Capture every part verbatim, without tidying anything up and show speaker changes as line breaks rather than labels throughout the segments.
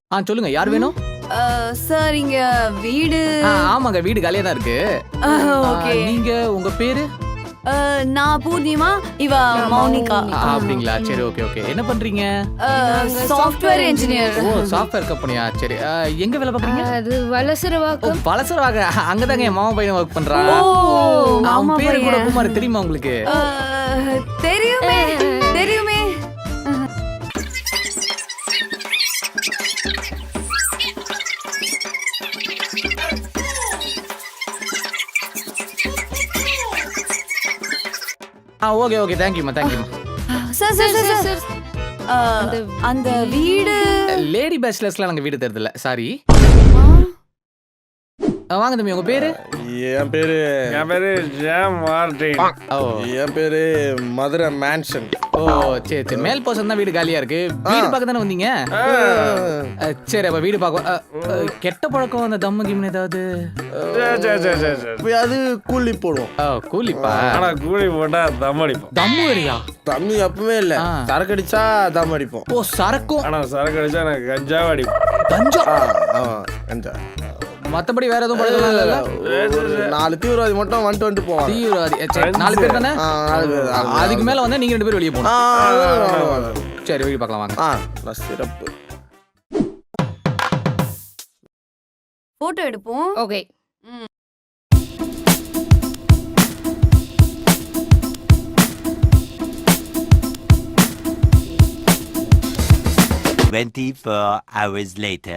ஆ சொல்லுங்க, யார் வேணும்?
சார் இங்க வீடு.
ஆ, ஆமாங்க, வீடு காலியா தான் இருக்கு.
ஓகே.
நீங்க உங்க பேரு?
நான் பூர்ணிமா, இவ மௌனிகா.
அப்படிங்களா? சரி, ஓகே ஓகே. என்ன பண்றீங்க?
Software engineer.
ஓ, சாஃப்ட்வேர் கம்பெனியா? சரி, எங்க வேலை பாக்குறீங்க?
அது வலசரவாக்கம்.
வலசரவாக? அங்கதாங்க என் மாமா பையன் ஒர்க் பண்றான்.
ஓ,
அவன் பேரு கூட குமார், தெரியுமா உங்களுக்கு?
தெரியுமே தெரியுமே.
ஆ, ஓகே ஓகே, தேங்க் யூ மா, தேங்க் யூ மா.
சார் சார் சார் சார் அந்த வீடு
லேடி பேச்சுலர்ஸ்லாம் நாங்க வீடு தரதில்ல, சாரி. வாங்க தம்பி, உங்க பேரு?
என் பேரு
என் பேரு ஜாம் மார்டின்.
ஓ,
என் பேரு மதுரை மேன்ஷன்.
ஓ, சரி சரி. மேல் போர்ஷன் தான் வீடு காலியா இருக்கு. வீடு பார்க்க தானே வந்தீங்க? சரி, அப்ப வீடு பார்க்க. கெட்ட பழக்கம், அந்த தம்மு கிம்னு ஏதாவது?
அது கூலி போடுவோம்.
ஓ, கூலிப்பா?
ஆனா கூலி போட்டா தம் அடிப்போம்.
தம்மு வரியா?
தண்ணி எப்பவுமே இல்ல, சரக்கு அடிச்சா தம் அடிப்போம்.
ஓ, சரக்கும்.
ஆனா சரக்கு அடிச்சா எனக்கு கஞ்சாவை அடிப்போம்.
கஞ்சா?
கஞ்சா.
மத்தபடி வேற எதுவும் பழக்கம் இல்ல?
நாலு தீவிரவாதி மட்டும் வந்துட்டு வந்துட்டு போவாங்க.
தீவிரவாதி? நாலு பேர் தானே? அதுக்கு மேல வந்து நீங்க ரெண்டு பேரும் வெளியே போகணும். சரி, வெளியே பார்க்கலாம் வாங்க.
சிறப்பு.
போட்டோ எடுப்போம்.
Okay.
twenty-four hours later.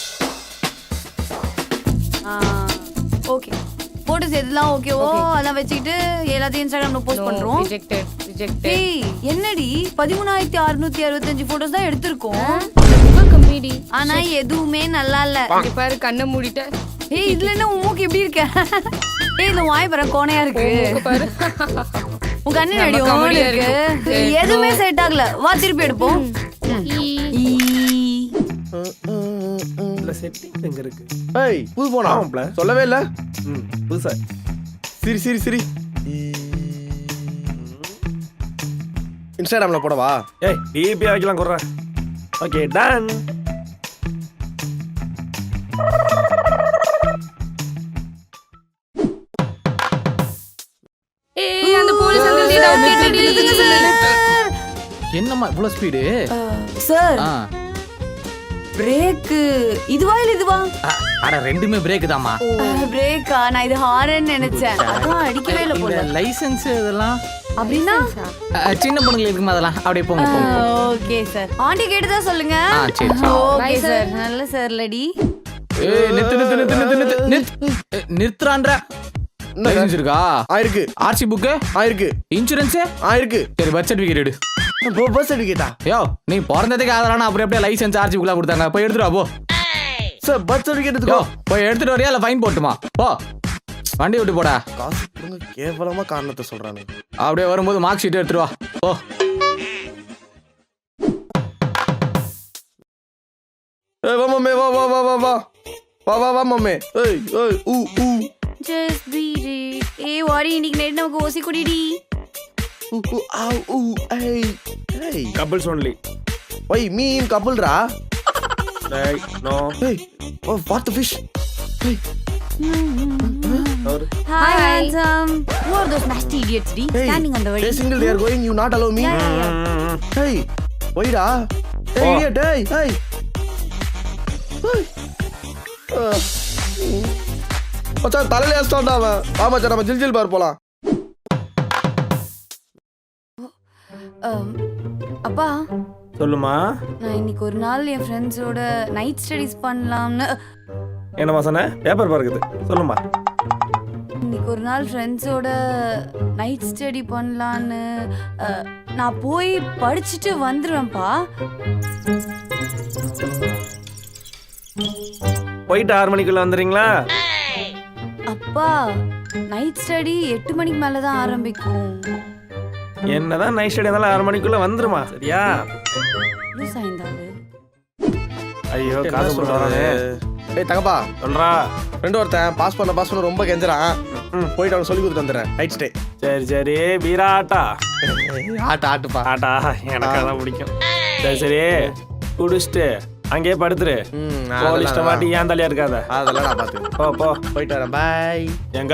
Okay, photos எல்லாம் ஓகேவோ அதான் வச்சுக்கிட்டு எல்லாத்தையும் இன்ஸ்டாகிராம்ல போஸ்ட் பண்றோம்.
Rejected rejected.
ஏய், என்னடி பதிமூணாயிரத்தி அறுநூத்தி அறுபத்தஞ்சு போட்டோஸ் தான் எடுத்திருக்கோம்.
கம்மிடி.
ஆனா எதுவுமே நல்லா இல்ல.
இங்க பாரு, கண்ணை மூடிட்ட.
ஏய், இதுல என்ன உன் மூக்கு எப்படி இருக்க? ஏய், இந்த வாய் பாரு, கோணையா இருக்கு
பாரு.
உன் கண்ணு நடி ஓடி இருக்கு. எதுவுமே செட் ஆகல. வா திருப்பி எடுப்போம்.
செட்டிங் எங்க இருக்கு?
ஏய், புது போனா சொல்லவே இல்ல.
ம், புதுசா.
சிரி சிரி சிரி. இன்ஸ்டாகிராம்ல போடவா?
ஏய், டிபி வைக்கலாம் குறேன். Okay, ton.
ஏய், அந்த போலீஸ் அங்கிள் டேட்டா கேட்டடி.
என்னம்மா இவ்வளவு ஸ்பீடு?
சார், பிரேக் இதுவா இல்ல இதுவா?
அட, ரெண்டுமே பிரேக் தான்மா.
பிரேக்கா? நான் இது ஹாரன் நினைச்சேன். அதான் அடிக்கவே இல்ல போல.
லைசென்ஸ் இதெல்லாம்
அப்படின்னா
சின்ன பொண்ணுங்களுக்கு இருக்குமா? அதெல்லாம் அப்படியே போங்க போங்க.
Okay sir. ஆண்டி கேட்டதா சொல்லுங்க.
ஆ, சரி.
Okay sir. நல்ல சார் லடி.
ஏய், நித்து நித்து நித்து நித்து நித்து நிறுத்துறான்ற. லைசென்ஸ் இருக்கா?
ஆயிருக்கு.
ஆர்சி புக்
ஆயிருக்கு.
இன்சூரன்ஸ்
ஆயிருக்கு.
சரி, பர்த் சர்டிபிகேட் எடு.
பர்த் சர்டிபிகேட்டா?
யோ, நீ பிறந்ததுக்கு ஆதரவான அப்புறம் எப்படியே லைசென்ஸ் ஆர்சி புக்லாம் கொடுத்தாங்க? போய் எடுத்துட்டு வா போ.
சார், பர்த் சர்டிபிகேட்
யோ,
எடுத்துக்கோ.
போய் எடுத்துட்டு வரியா இல்ல ஃபைன் போட்டுமா? போ, வண்டி விட்டு போடா.
காசு கொடுங்க, கேவலமா காரணத்தை சொல்றானே.
அப்படியே வரும்போது மார்க் ஷீட் எடுத்துட்டு வா. போ.
ஏய், வா மம்மே, வா வா வா வா வா வா வா வா மம்மே. ஏய் ஏய் ஊ ஊ
ஜஸ்ட் பீட் இட். ஏய், வாடி, இன்னைக்கு நைட் நமக்கு ஓசி குடிடி.
ஊ ஊ ஆ ஊ. ஏய் ஏய்,
couples only.
Why me in கபிள்ரா.
ஏய், நோ.
ஏய், ஓ வாட் தி ஃபிஷ். ஏய்,
Hi, handsome. Who are those nasty idiots, D?
hey,
Standing on the way.
they single, they are going, you not allow me.
Yeah, yeah, yeah.
Hey, why da? Hey,
oh.
idiot, hey, hey. Hey. Uh. மச்சான், தலையில ஏஸ்டான்டா அவன். வா மச்சான், நம்ம ஜில் ஜில் பார் போலாம்.
அப்பா,
சொல்லுமா.
நான் இன்னைக்கு ஒரு நாள் என் ஃப்ரெண்ட்ஸோட நைட் ஸ்டடீஸ் பண்ணலாம்னு.
என்னமா சொன்ன? பேப்பர் பார்க்குது. சொல்லுமா.
இன்னைக்கு ஒரு நாள் ஃப்ரெண்ட்ஸோட நைட் ஸ்டடி பண்ணலான்னு நான் போய் படிச்சுட்டு வந்துடுவேன்ப்பா.
போயிட்டு ஆறு மணிக்குள்ள வந்துடுறீங்களா?
அப்பா, நைட் ஸ்டடி எட்டு மணிக்கு மேலே தான் ஆரம்பிக்கும்.
என்னதான் நைட் ஸ்டடி இருந்தாலும் ஆறு மணிக்குள்ள வந்துருமா? சரியா?
லூஸ் ஆயிருந்தாரு.
ஐயோ, காசு போட்டு வரானே.
ஏய் தங்கப்பா,
சொல்றா.
ஃப்ரெண்ட் ஒருத்தன் பாஸ் பண்ண பாஸ் பண்ண ரொம்ப கெஞ்சறான். போயிட்டு அவன் சொல்லி கொடுத்துட்டு வந்துடுறேன். Night stay.
சரி சரி, பீரா ஆட்டா.
ஆட்டு ஆட்டுப்பா.
ஆட்டா எனக்கு அதான் பிடிக்கும். சரி சரி, குடிச்சிட்டு அங்கேயே படுத்துரு
ம்
போலீஸ்ட மாட்டி ஏன் தலையா இருக்காத
அதெல்லாம் நான் பார்த்துக்கிறேன்
போ போ
போயிட்டு வரேன் பாய்
எங்க